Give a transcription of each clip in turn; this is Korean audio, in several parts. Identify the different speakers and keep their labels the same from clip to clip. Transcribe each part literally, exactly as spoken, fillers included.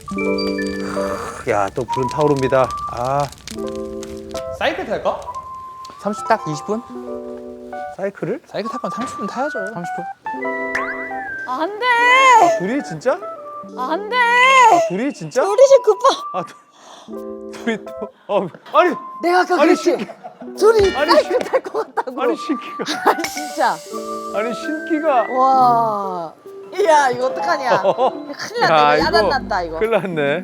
Speaker 1: 야, 또 불은 타오릅니다. 아,
Speaker 2: 사이클 탈까?
Speaker 3: 삼십 딱 이십 분?
Speaker 1: 사이클을?
Speaker 2: 사이클 탈 건 삼십 분 타야죠.
Speaker 3: 삼십 분?
Speaker 4: 안 돼!
Speaker 1: 둘이 진짜?
Speaker 4: 안 돼!
Speaker 1: 둘이 진짜?
Speaker 4: 우리 집 급하.
Speaker 1: 아, 두, 둘이 또, 어, 아니,
Speaker 4: 내가 아까
Speaker 1: 아니,
Speaker 4: 그랬지? 둘이
Speaker 1: 아니,
Speaker 4: 사이클 탈 것 같다고.
Speaker 1: 아니, 신기가,
Speaker 4: 아니, 진짜.
Speaker 1: 아니, 신기가.
Speaker 4: 와. 이야, 이거 어떡하냐. 큰일 났다. 이거 야단 났다, 이거.
Speaker 1: 큰일 났네.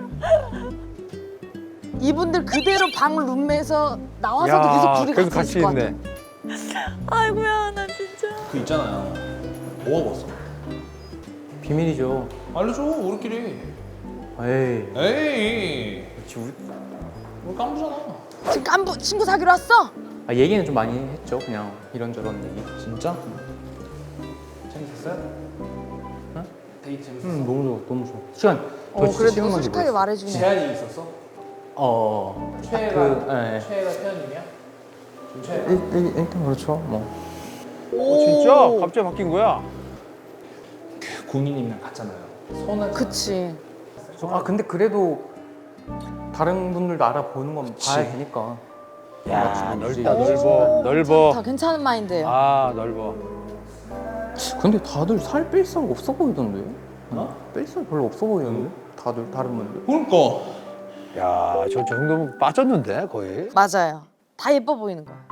Speaker 4: 이분들 그대로 방 룸메에서 나와서도
Speaker 1: 야,
Speaker 4: 계속 둘이
Speaker 1: 계속
Speaker 4: 같이
Speaker 1: 같이
Speaker 4: 있을 것 같아.
Speaker 1: 있네.
Speaker 4: 아이고야, 나 진짜.
Speaker 2: 그 있잖아요. 뭐 하고 왔어?
Speaker 3: 비밀이죠.
Speaker 2: 알려줘, 우리끼리.
Speaker 3: 에이.
Speaker 2: 에이.
Speaker 3: 그치, 우리...
Speaker 2: 우리 깜부잖아.
Speaker 4: 지금 깐부 친구 사귀러 왔어?
Speaker 3: 아, 얘기는 좀 많이 했죠. 그냥 이런저런 얘기.
Speaker 2: 진짜? 재밌었어요?
Speaker 3: 응?
Speaker 2: 데이트 재밌었어?
Speaker 3: 응, 너무 좋아, 너무 좋아. 시간 더
Speaker 4: 어,
Speaker 3: 진짜
Speaker 4: 그래도
Speaker 3: 시간만
Speaker 4: 솔직하게
Speaker 3: 기다렸어.
Speaker 4: 말해주네.
Speaker 2: 재한이 있었어?
Speaker 3: 어.
Speaker 2: 최애가,
Speaker 3: 그, 예.
Speaker 2: 최애가 태연님이야? 좀 최애가?
Speaker 3: 일, 일, 일단 그렇죠. 뭐.
Speaker 1: 어, 진짜? 갑자기 바뀐 거야?
Speaker 2: 그 군인님이랑 갔잖아요. 서운하지
Speaker 4: 그치.
Speaker 3: 아, 근데 그래도 다른 분들도 알아보는 건 봐야 되니까.
Speaker 1: 야,
Speaker 3: 맞지.
Speaker 1: 넓다, 넓어.
Speaker 4: 다
Speaker 1: 넓어.
Speaker 4: 괜찮은 마인드예요.
Speaker 1: 아, 넓어.
Speaker 3: 근데 다들 살 뺄 살 없어 보이던데? 어? 뺄 살 별로 없어 보이는데? 다들 다른 분들.
Speaker 2: 그러니까.
Speaker 1: 야, 저, 저 정도면 빠졌는데, 거의?
Speaker 4: 맞아요. 다 예뻐 보이는 거야.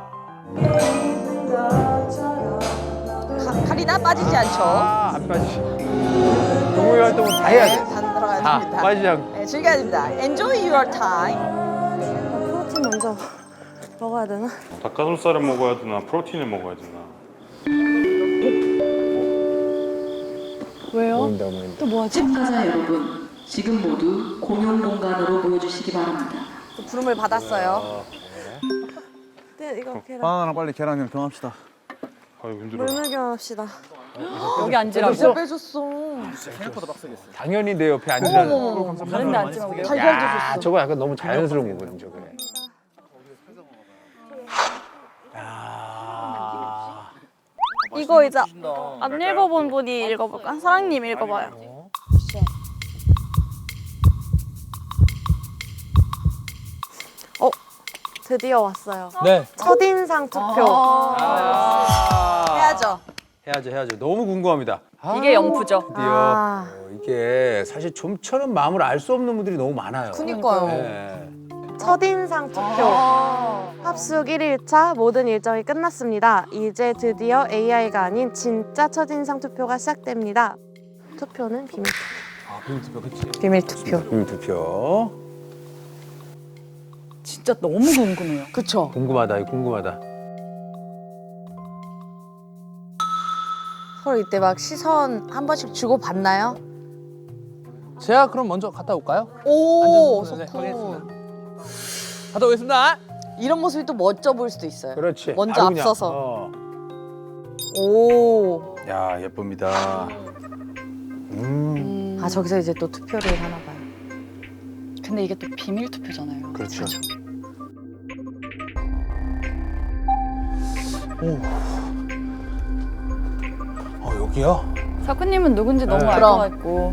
Speaker 4: 가, 가리나 빠지지 않죠.
Speaker 1: 아, 안 빠지지. 동호회 활동은 다 해야
Speaker 4: 네,
Speaker 1: 돼.
Speaker 4: 다 들어가야
Speaker 1: 다
Speaker 4: 됩니다.
Speaker 1: 빠지지 않고.
Speaker 4: 네, 즐겨야 됩니다. Enjoy your time.
Speaker 5: 프로틴 먼저 먹어야 되나?
Speaker 6: 닭가슴살을 먹어야 되나 프로틴을 먹어야 되나.
Speaker 5: 왜요?
Speaker 1: 모인다, 모인다.
Speaker 5: 또 뭐하지?
Speaker 7: 참가자 여러분, 지금 모두 공용 공간으로 모여주시기 바랍니다.
Speaker 4: 또 부름을 받았어요.
Speaker 5: 네, 이거 계란.
Speaker 8: 바나나랑 빨리 계란이랑 경합시다.
Speaker 6: 아유 힘들어.
Speaker 5: 물매경 합시다.
Speaker 4: 여기 앉으라고. 진짜 빼줬어.
Speaker 1: 당연히 내 옆에 앉으라는.
Speaker 4: 어머머머.
Speaker 5: 다른 데 앉지 말고.
Speaker 4: 달걀도
Speaker 1: 야,
Speaker 4: 줬어.
Speaker 1: 저거 약간 너무 자연스러운 거거든, 저게. 야.
Speaker 9: 이거 이제 안 읽어본 분이 읽어볼까? 사랑님 읽어봐요.
Speaker 5: 어, 드디어 왔어요.
Speaker 2: 네.
Speaker 5: 첫인상 투표.
Speaker 1: 아.
Speaker 4: 해야죠.
Speaker 1: 해야죠, 해야죠. 너무 궁금합니다. 아,
Speaker 9: 이게 영프죠.
Speaker 1: 드디어.
Speaker 4: 아.
Speaker 1: 어, 이게 사실 좀처럼 마음을 알 수 없는 분들이 너무 많아요.
Speaker 4: 그니까요.
Speaker 1: 네.
Speaker 5: 첫인상 투표. 합숙 일 일차 모든 일정이 끝났습니다. 이제 드디어 에이아이가 아닌 진짜 첫인상 투표가 시작됩니다. 투표는 비밀 투표.
Speaker 2: 아, 비밀 투표, 그치?
Speaker 4: 비밀 투표.
Speaker 1: 음, 투표.
Speaker 9: 진짜 너무 궁금해요.
Speaker 4: 그쵸.
Speaker 1: 궁금하다, 이거 궁금하다.
Speaker 4: 서로 이때 막 시선 한 번씩 주고 받나요?
Speaker 2: 제가 그럼 먼저 갔다 올까요?
Speaker 4: 오,
Speaker 2: 앉아서, 네,
Speaker 4: 소쿠.
Speaker 2: 확인했습니다. 갔다 오겠습니다.
Speaker 4: 이런 모습이 또 멋져 보일 수도 있어요.
Speaker 1: 그렇지.
Speaker 4: 먼저
Speaker 1: 바로 그냥,
Speaker 4: 앞서서.
Speaker 1: 어.
Speaker 4: 오.
Speaker 1: 야, 예쁩니다. 음,
Speaker 4: 아, 저기서 이제 또 투표를 하나 봐요.
Speaker 9: 근데 이게 또 비밀 투표잖아요.
Speaker 1: 그렇죠.
Speaker 2: 어, 여기요?
Speaker 9: 사쿠님은 누군지 너무
Speaker 1: 네.
Speaker 9: 알
Speaker 4: 그럼.
Speaker 9: 것 같고.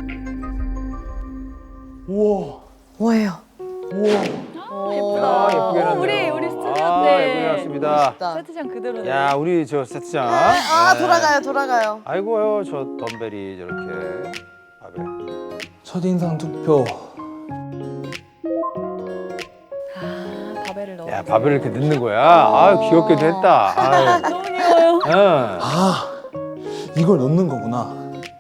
Speaker 2: 우와.
Speaker 4: 뭐예요?
Speaker 9: 예쁘다.
Speaker 1: 아, 예쁘게 해놨네요.
Speaker 9: 우리 우리 스튜디오
Speaker 1: 아,
Speaker 9: 때
Speaker 1: 예쁘게 해놨습니다.
Speaker 4: 멋있다.
Speaker 9: 세트장 그대로네.
Speaker 1: 야, 우리 저 세트장.
Speaker 4: 아,
Speaker 1: 네.
Speaker 4: 돌아가요, 돌아가요.
Speaker 1: 아이고요, 저 덤벨이 저렇게. 바벨.
Speaker 2: 첫인상 투표.
Speaker 9: 아, 바벨을 넣어.
Speaker 1: 야, 밥을 이렇게 넣는 거야. 아, 귀엽게도 했다. 아유.
Speaker 9: 너무 귀여워요.
Speaker 1: 응.
Speaker 2: 아, 이걸 넣는 거구나.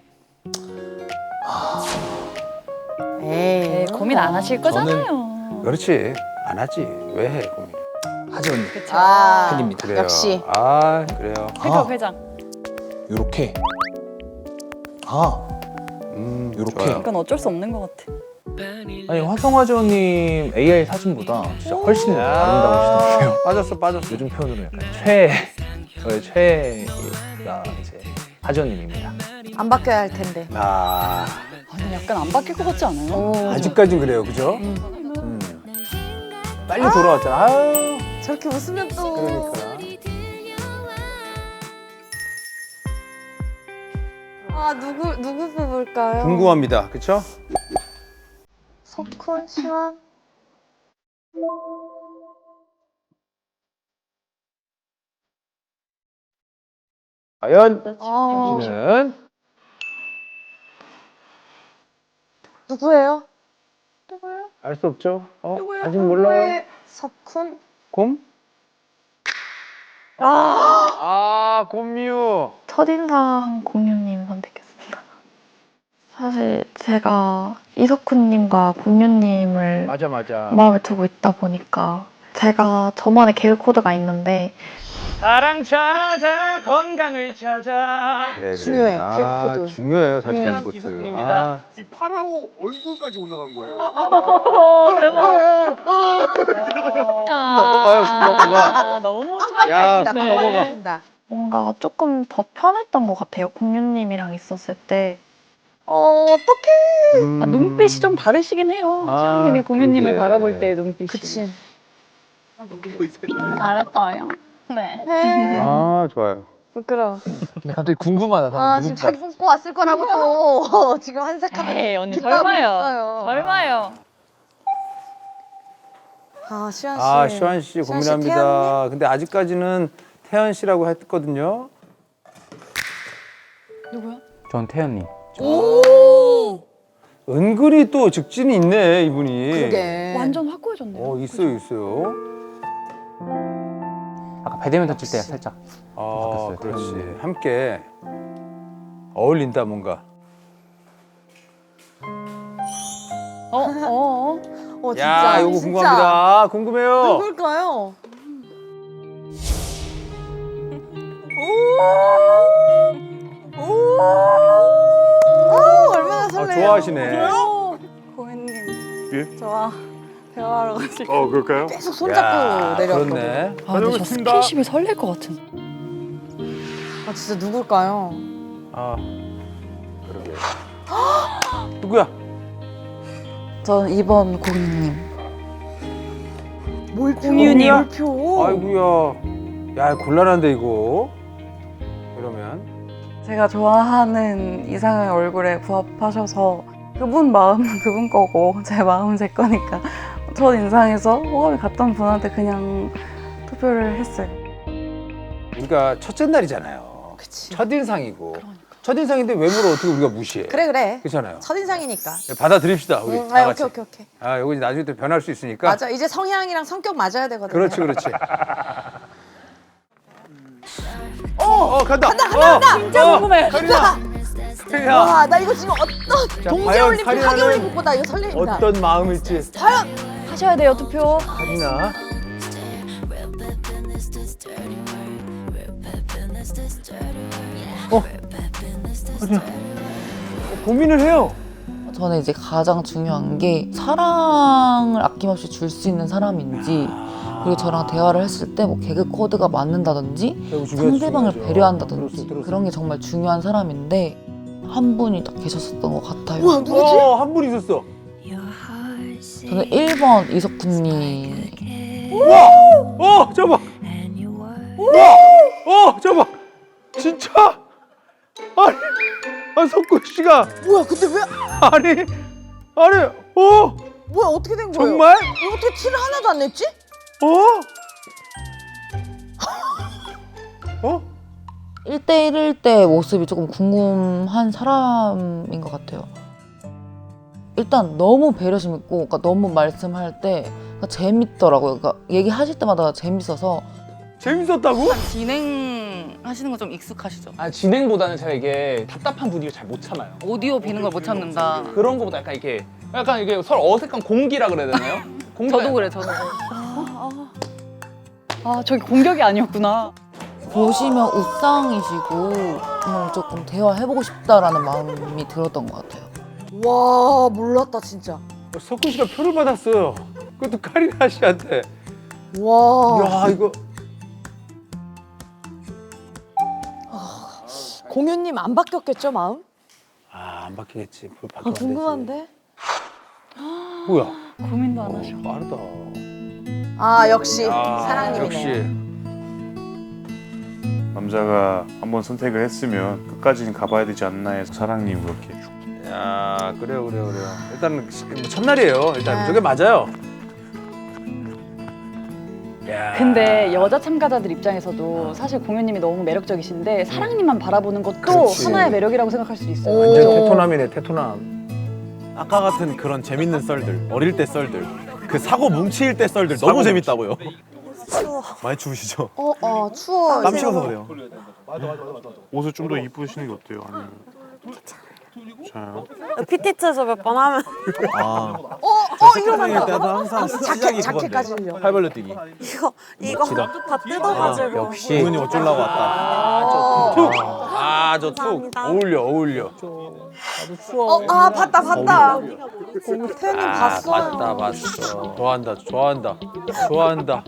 Speaker 4: 에이.
Speaker 9: 네, 고민 안 하실 거잖아요.
Speaker 1: 그렇지. 안 하지. 왜 해, 고민.
Speaker 2: 하지 언니.
Speaker 9: 그쵸.
Speaker 4: 아,
Speaker 2: 팬입니다.
Speaker 1: 그래요.
Speaker 4: 역시.
Speaker 1: 아, 그래요.
Speaker 9: 회장
Speaker 2: 아.
Speaker 9: 회장.
Speaker 2: 요렇게. 아,
Speaker 1: 음,
Speaker 2: 요렇게.
Speaker 1: 좋아요.
Speaker 9: 이건 어쩔 수 없는 것 같아.
Speaker 3: 아니, 화성화재원님 에이아이 사진보다 진짜 훨씬
Speaker 1: 야,
Speaker 3: 아름다우시더라고요.
Speaker 1: 빠졌어, 빠졌어.
Speaker 3: 요즘 표현으로 약간 최애, 저의 최애가 이제 하재원님입니다.
Speaker 4: 안 바뀌어야 할 텐데.
Speaker 1: 아,
Speaker 9: 아니 약간 안 바뀔 것 같지 않아요?
Speaker 4: 오.
Speaker 1: 아직까진 그래요, 그죠? 음. 빨리 돌아왔잖아. 아유,
Speaker 4: 저렇게 웃으면 또.
Speaker 1: 그러니까.
Speaker 5: 아, 누구 누구 뽑을까요?
Speaker 1: 궁금합니다, 그쵸?
Speaker 5: 석훈, 시원.
Speaker 1: 과연
Speaker 9: 어.
Speaker 1: 씨는
Speaker 5: 누구예요?
Speaker 1: 알 수 없죠? 어? 아직 몰라요.
Speaker 5: 석훈.
Speaker 1: 곰? 아, 곰유.
Speaker 8: 첫인상 공유님 선택했습니다. 사실 제가 이석훈님과 공유님을
Speaker 1: 맞아, 맞아.
Speaker 8: 마음에 두고 있다 보니까 제가 저만의 계획 코드가 있는데
Speaker 1: 사랑 찾아 건강을 찾아.
Speaker 4: 중요해,
Speaker 1: 아,
Speaker 4: 그 코드.
Speaker 1: 중요해요, 사실
Speaker 8: 음.
Speaker 1: 그 코드. 아,
Speaker 6: 파라오 얼굴까지 올라간 거예요.
Speaker 9: 아, 너무
Speaker 1: 야,
Speaker 4: 네.
Speaker 1: 넘어가.
Speaker 8: 뭔가 조금 더 편했던 것 같아요. 공유님이랑 있었을 때.
Speaker 5: 어, 어떡해.
Speaker 1: 음.
Speaker 9: 아, 눈빛이 좀 다르시긴 해요.
Speaker 1: 아,
Speaker 9: 사장님이 공유님을
Speaker 1: 그러게.
Speaker 9: 바라볼 때 눈빛이.
Speaker 4: 그치.
Speaker 9: 잘했어요. 네.
Speaker 5: 네.
Speaker 1: 아, 좋아요.
Speaker 5: 부끄러워.
Speaker 1: 갑자기 궁금하다.
Speaker 4: 아 지금 자기 품고 왔을 거라고 또 지금 한색하면
Speaker 9: 에이, 언니
Speaker 4: 기싸움이
Speaker 9: 설마요.
Speaker 4: 있어요.
Speaker 9: 설마요.
Speaker 4: 아 시환 씨.
Speaker 1: 아, 시환 씨
Speaker 4: 시환 씨,
Speaker 1: 고민합니다. 근데 아직까지는 태연 씨라고 했거든요.
Speaker 4: 누구야?
Speaker 3: 전 태연님.
Speaker 4: 오.
Speaker 1: 은근히 또 직진이 있네, 이분이.
Speaker 4: 그게.
Speaker 9: 완전 확고해졌네요.
Speaker 1: 어, 있어요, 있어요.
Speaker 3: 아까 배드민턴 칠 때 살짝.
Speaker 1: 아,
Speaker 3: 바뀌었어요,
Speaker 1: 그렇지.
Speaker 3: 태연님.
Speaker 1: 함께 어울린다, 뭔가.
Speaker 9: 어, 어, 어.
Speaker 4: 어 진짜.
Speaker 1: 야, 이거
Speaker 4: 진짜.
Speaker 1: 궁금합니다. 궁금해요.
Speaker 4: 누굴까요? 오. 오. 오 얼마나
Speaker 1: 아,
Speaker 4: 설레요.
Speaker 1: 좋아하시네.
Speaker 9: 고객님.
Speaker 6: 예?
Speaker 9: 저와 대화하러 가실
Speaker 6: 어, 그럴까요?
Speaker 4: 계속 손잡고 내려왔거든.
Speaker 1: 그렇네.
Speaker 9: 아, 근데 저 스킨십이 설렐 것 같은.
Speaker 4: 아 진짜 누굴까요?
Speaker 1: 아, 그러게. 누구야?
Speaker 8: 전 이번 공유님.
Speaker 4: 공유님. 몰표.
Speaker 1: 아이고야. 야, 곤란한데, 이거. 이러면.
Speaker 8: 제가 좋아하는 이상의 얼굴에 부합하셔서 그분 마음은 그분 거고 제 마음은 제 거니까 첫 인상에서 호감이 갔던 분한테 그냥 투표를 했어요.
Speaker 1: 우리가 첫째 날이잖아요.
Speaker 4: 그치.
Speaker 1: 첫인상이고. 첫인상인데 외모를 어떻게 우리가 무시해?
Speaker 4: 그래 그래.
Speaker 1: 그렇잖아요.
Speaker 4: 첫인상이니까.
Speaker 1: 네, 받아들입시다, 우리.
Speaker 4: 응,
Speaker 1: 다
Speaker 4: 아,
Speaker 1: 같이.
Speaker 4: 오케이 오케이 오케이.
Speaker 1: 아, 이거 나중에 또 변할 수 있으니까.
Speaker 4: 맞아. 이제 성향이랑 성격 맞아야 되거든.
Speaker 1: 그렇지, 그렇지. 어, 어, 간다. 간다, 간다, 간다.
Speaker 9: 진짜 궁금해.
Speaker 1: 카리나. 카리나.
Speaker 4: 와, 나 이거 지금 어떤
Speaker 1: 자,
Speaker 4: 동계
Speaker 1: 과연
Speaker 4: 올림픽,
Speaker 1: 카리나는
Speaker 4: 하계 올림픽보다 이거 설레입니다.
Speaker 1: 어떤 마음일지.
Speaker 4: 과연
Speaker 9: 하셔야 돼요, 투표.
Speaker 1: 카리나. 어, 카리나. 어, 고민을 해요.
Speaker 8: 저는 이제 가장 중요한 게 사랑을 아낌없이 줄 수 있는 사람인지 그리고 저랑 대화를 했을 때 뭐 개그 코드가 맞는다든지
Speaker 1: 아이고, 중요하지,
Speaker 8: 상대방을
Speaker 1: 중요하죠.
Speaker 8: 배려한다든지
Speaker 1: 들었어, 들었어.
Speaker 8: 그런 게 정말 중요한 사람인데 한 분이 딱 계셨었던 것 같아요.
Speaker 4: 와 누구지?
Speaker 1: 어, 한 분 있었어.
Speaker 8: 저는 일 번 이석훈님.
Speaker 1: 와! 어, 잠깐만. 와! 어, 잠깐만. 진짜? 아니, 아니 석구 씨가
Speaker 4: 뭐야? 근데 왜?
Speaker 1: 아니, 아니, 어,
Speaker 4: 뭐야? 어떻게 된 거예요?
Speaker 1: 정말?
Speaker 4: 이거 어떻게 티를 하나도 안 냈지?
Speaker 1: 어? 어?
Speaker 8: 일 대일일 때 모습이 조금 궁금한 사람인 것 같아요. 일단 너무 배려심 있고 그러니까 너무 말씀할 때 그러니까 재밌더라고요. 그러니까 얘기하실 때마다 재밌어서
Speaker 1: 재밌었다고?
Speaker 10: 진행하시는 거 좀 익숙하시죠?
Speaker 2: 아, 진행보다는 제가 이게 답답한 분위기를 잘 못 참아요.
Speaker 10: 오디오 비는 걸 못 참는다.
Speaker 2: 그런 거보다 약간 이게 약간 이게 서로 어색한 공기라 그래야 되나요? 공기가
Speaker 10: 저도 그래, 저도.
Speaker 9: 아, 저기 공격이 아니었구나.
Speaker 8: 보시면 우상이시고 음, 조금 대화해보고 싶다라는 마음이 들었던 것 같아요.
Speaker 4: 와 몰랐다 진짜.
Speaker 1: 석구 씨가 표를 받았어요. 그것도 카리나 씨한테.
Speaker 4: 와.
Speaker 1: 야, 이거
Speaker 4: 공유님 안 바뀌었겠죠 마음?
Speaker 1: 아, 안 바뀌겠지. 뭘
Speaker 4: 아
Speaker 1: 바뀌면 안 되지.
Speaker 4: 궁금한데.
Speaker 1: 뭐야?
Speaker 9: 고민도 안
Speaker 1: 어,
Speaker 9: 하셔.
Speaker 1: 빠르다.
Speaker 4: 아 역시
Speaker 1: 아,
Speaker 4: 사랑님이네.
Speaker 1: 역시.
Speaker 6: 남자가 한번 선택을 했으면 끝까지는 가봐야 되지 않나 해서 사랑님 그렇게
Speaker 1: 야 그래요 그래요 그래요. 일단 뭐 첫날이에요. 일단
Speaker 4: 네.
Speaker 1: 저게 맞아요. 야.
Speaker 11: 근데 여자 참가자들 입장에서도 사실 공유님이 너무 매력적이신데 사랑님만 바라보는 것도
Speaker 1: 그렇지.
Speaker 11: 하나의 매력이라고 생각할 수도 있어요.
Speaker 1: 완전
Speaker 11: 그죠?
Speaker 1: 테토남이네 테토남.
Speaker 6: 아까 같은 그런 재밌는 썰들, 어릴 때 썰들, 그 사고 뭉칠 때 썰들 너무 재밌다고요.
Speaker 4: 추워.
Speaker 6: 많이 추우시죠?
Speaker 4: 어, 어, 추워.
Speaker 6: 땀 식어서 그래요.
Speaker 12: 옷을 좀 더 이쁘시는 게 어때요? 아니면 자요?
Speaker 5: 피티트에서 몇 번 하면
Speaker 6: 아,
Speaker 4: 어, 어, 이거
Speaker 6: 생일
Speaker 4: 맞다.
Speaker 6: 때도 항상 시작이
Speaker 4: 자켓까지
Speaker 6: 그건데.
Speaker 4: 흘려.
Speaker 6: 팔벌려 뛰기.
Speaker 5: 이거 이거 다 뜯어가지고.
Speaker 1: 역시.
Speaker 6: 부모님 어쩌려고 왔다.
Speaker 1: 아 저 툭 어울려 어울려.
Speaker 4: 어, 아, 봤다, 봤다. 태연님
Speaker 1: 아
Speaker 4: 봤어요.
Speaker 1: 봤다 봤어. 좋아한다 좋아한다 좋아한다.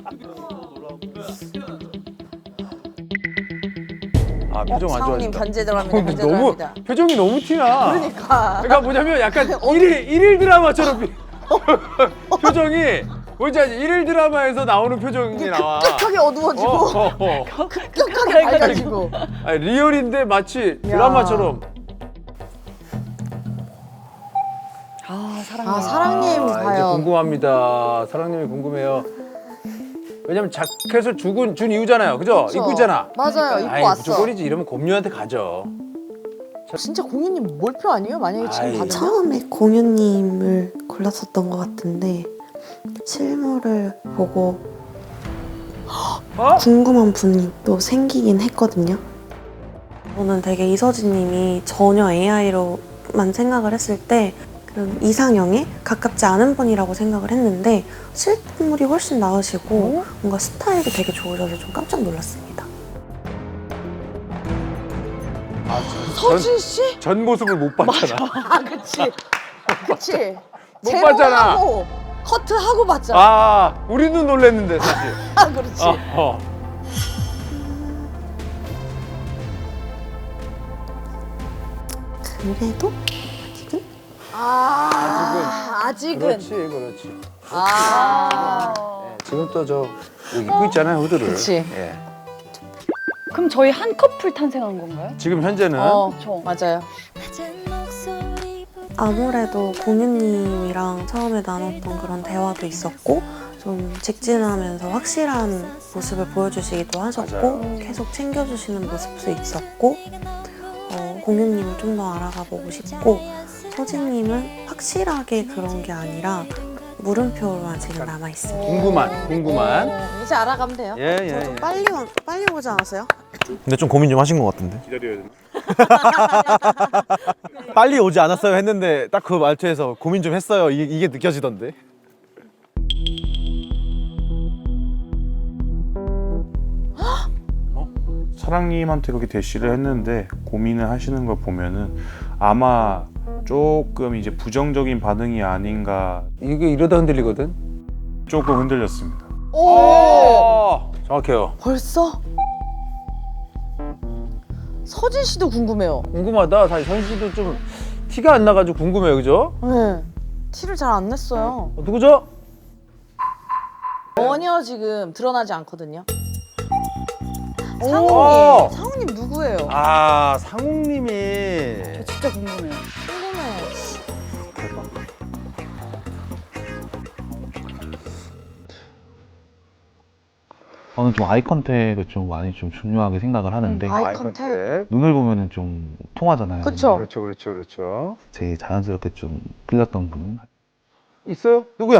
Speaker 1: 아 표정 안
Speaker 4: 사모님
Speaker 1: 좋아진다.
Speaker 4: 견제 들어갑니다.
Speaker 1: 근데
Speaker 4: 견제
Speaker 1: 너무
Speaker 4: 들어갑니다.
Speaker 1: 표정이 너무 티나.
Speaker 4: 그러니까.
Speaker 1: 그러니까 뭐냐면 약간 일일 일일 드라마처럼 비- 표정이 뭔지 알지? 일일 드라마에서 나오는 표정이 나와.
Speaker 4: 급격하게 어두워지고
Speaker 1: 어, 어, 어.
Speaker 4: 급격하게 밝아지고.
Speaker 1: 아니, 리얼인데 마치 드라마처럼.
Speaker 11: 아 사랑님.
Speaker 4: 아, 사랑님
Speaker 1: 아, 이제
Speaker 4: 과연.
Speaker 1: 궁금합니다. 사랑님이 궁금해요. 왜냐면 자켓을 주군 준 이유잖아요, 그죠?
Speaker 4: 그쵸.
Speaker 1: 입고 있잖아.
Speaker 4: 맞아요, 입고
Speaker 1: 아이,
Speaker 4: 왔어.
Speaker 1: 무조건이지. 이러면 곰녀한테 가죠.
Speaker 4: 진짜 공유님 몰표 아니에요? 만약에 지금
Speaker 1: 아이.
Speaker 4: 받으면?
Speaker 5: 처음에 공유님을 골랐었던 것 같은데 실물을 보고
Speaker 1: 어?
Speaker 5: 궁금한 분이 또 생기긴 했거든요. 저는 되게 이서진님이 전혀 에이아이로만 생각을 했을 때 그런 이상형에 가깝지 않은 분이라고 생각을 했는데 실물이 훨씬 나으시고 뭔가 스타일이 되게 좋으셔서 좀 깜짝 놀랐습니다.
Speaker 1: 아,
Speaker 4: 서진 씨?
Speaker 1: 전 모습을 못 봤잖아.
Speaker 4: 아, 그치. 그치.
Speaker 1: 못 봤잖아.
Speaker 4: 제모하고 커트하고 봤잖아.
Speaker 1: 아, 우리도 놀랬는데 사실.
Speaker 4: 아, 그렇지.
Speaker 1: 어, 어.
Speaker 5: 그래도 아직은
Speaker 4: 아, 아직은.
Speaker 1: 그렇지, 그렇지.
Speaker 4: 아.
Speaker 1: 네, 지금 또 저 입고 있잖아요, 후드를.
Speaker 4: 그치.
Speaker 1: 예.
Speaker 11: 그럼 저희 한 커플 탄생한 건가요?
Speaker 1: 지금 현재는
Speaker 4: 어,
Speaker 11: 저.
Speaker 4: 맞아요.
Speaker 5: 아무래도 공유님이랑 처음에 나눴던 그런 대화도 있었고 좀 직진하면서 확실한 모습을 보여주시기도 하셨고
Speaker 1: 맞아요.
Speaker 5: 계속 챙겨주시는 모습도 있었고 어, 공유님을 좀 더 알아가 보고 싶고 서진님은 확실하게 그런 게 아니라 물음표로만 지금 남아있습니다.
Speaker 1: 궁금한, 궁금한.
Speaker 4: 어, 이제 알아가면 돼요.
Speaker 1: 예, 예,
Speaker 5: 저도
Speaker 1: 예.
Speaker 5: 빨리, 와- 빨리 오지 않았어요?
Speaker 6: 근데 좀 고민 좀 하신 것 같은데.
Speaker 12: 기다려야 되나?
Speaker 6: 빨리 오지 않았어요 했는데 딱 그 말투에서 고민 좀 했어요. 이게, 이게 느껴지던데.
Speaker 12: 사랑님한테 그렇게 대시를 했는데 고민을 하시는 걸 보면은 아마 조금 이제 부정적인 반응이 아닌가
Speaker 1: 이게 이러다 흔들리거든.
Speaker 12: 조금 흔들렸습니다.
Speaker 4: 오!
Speaker 1: 어, 정확해요.
Speaker 4: 벌써? 서진 씨도 궁금해요.
Speaker 1: 궁금하다. 사실 선 씨도 좀 티가 안 나가지고 궁금해요, 그죠?
Speaker 4: 네. 티를 잘 안 냈어요.
Speaker 1: 어, 누구죠?
Speaker 4: 전혀 지금 드러나지 않거든요.
Speaker 1: 오!
Speaker 4: 상우님, 상우님 누구예요?
Speaker 1: 아, 상욱님이.
Speaker 11: 진짜 궁금해요.
Speaker 4: 궁금해.
Speaker 13: 저는 좀 아이 컨택을 좀 많이 좀 중요하게 생각을 하는데
Speaker 4: 아이 컨택.
Speaker 13: 눈을 보면은 좀 통하잖아요.
Speaker 4: 그쵸?
Speaker 1: 그렇죠, 그렇죠, 그렇죠.
Speaker 13: 제일 자연스럽게 좀 끌렸던 분은
Speaker 1: 있어요? 누구야?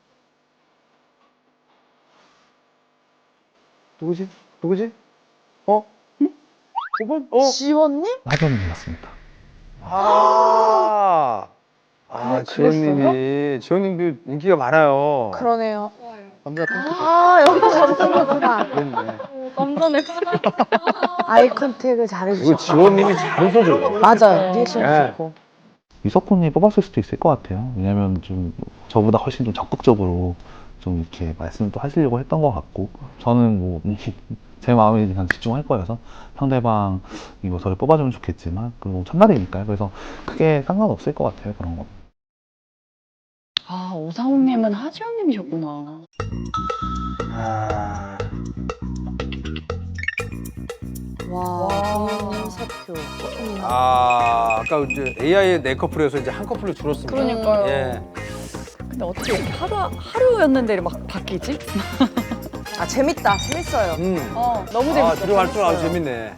Speaker 1: 누구지? 누구지? 어? 응? 오 번? 어?
Speaker 4: 지원님?
Speaker 13: 하정님 같습니다.
Speaker 1: 아, 아,
Speaker 4: 네,
Speaker 1: 지원님이, 지원님도 인기가 많아요.
Speaker 4: 그러네요.
Speaker 1: 남자 팬클럽.
Speaker 4: 아, 여기도 잘생겼구나.
Speaker 1: 됐네.
Speaker 11: 깜짝네.
Speaker 4: 아이 컨택을
Speaker 1: 이거
Speaker 4: 잘해주셨고.
Speaker 1: 지원님이 잘 웃어줘요.
Speaker 4: 맞아요. 리액션
Speaker 1: 네.
Speaker 4: 좋고.
Speaker 13: 유석훈이 뽑았을 수도 있을 것 같아요. 왜냐면 좀 저보다 훨씬 좀 적극적으로 좀 이렇게 말씀을 또 하시려고 했던 것 같고 저는 뭐 제 마음에 그냥 집중할 거여서 상대방이 뭐 저를 뽑아주면 좋겠지만 그리고 첫날이니까요. 그래서 크게 상관없을 것 같아요. 그런 거.
Speaker 11: 아 오상욱님은 하지영님이셨구나.
Speaker 1: 아,
Speaker 4: 와, 공연님 세 표, 소님
Speaker 1: 아, 아까 이제 에이아이의 네 커플에서 이제 한 커플로 줄었습니다.
Speaker 11: 그러니까요.
Speaker 1: 예.
Speaker 11: 근데 어떻게 이렇게 하루 하루였는데 막 바뀌지?
Speaker 4: 아 재밌다. 재밌어요.
Speaker 1: 음.
Speaker 11: 어 너무
Speaker 1: 아,
Speaker 11: 재밌어.
Speaker 1: 들어갈 줄 알고 재밌네.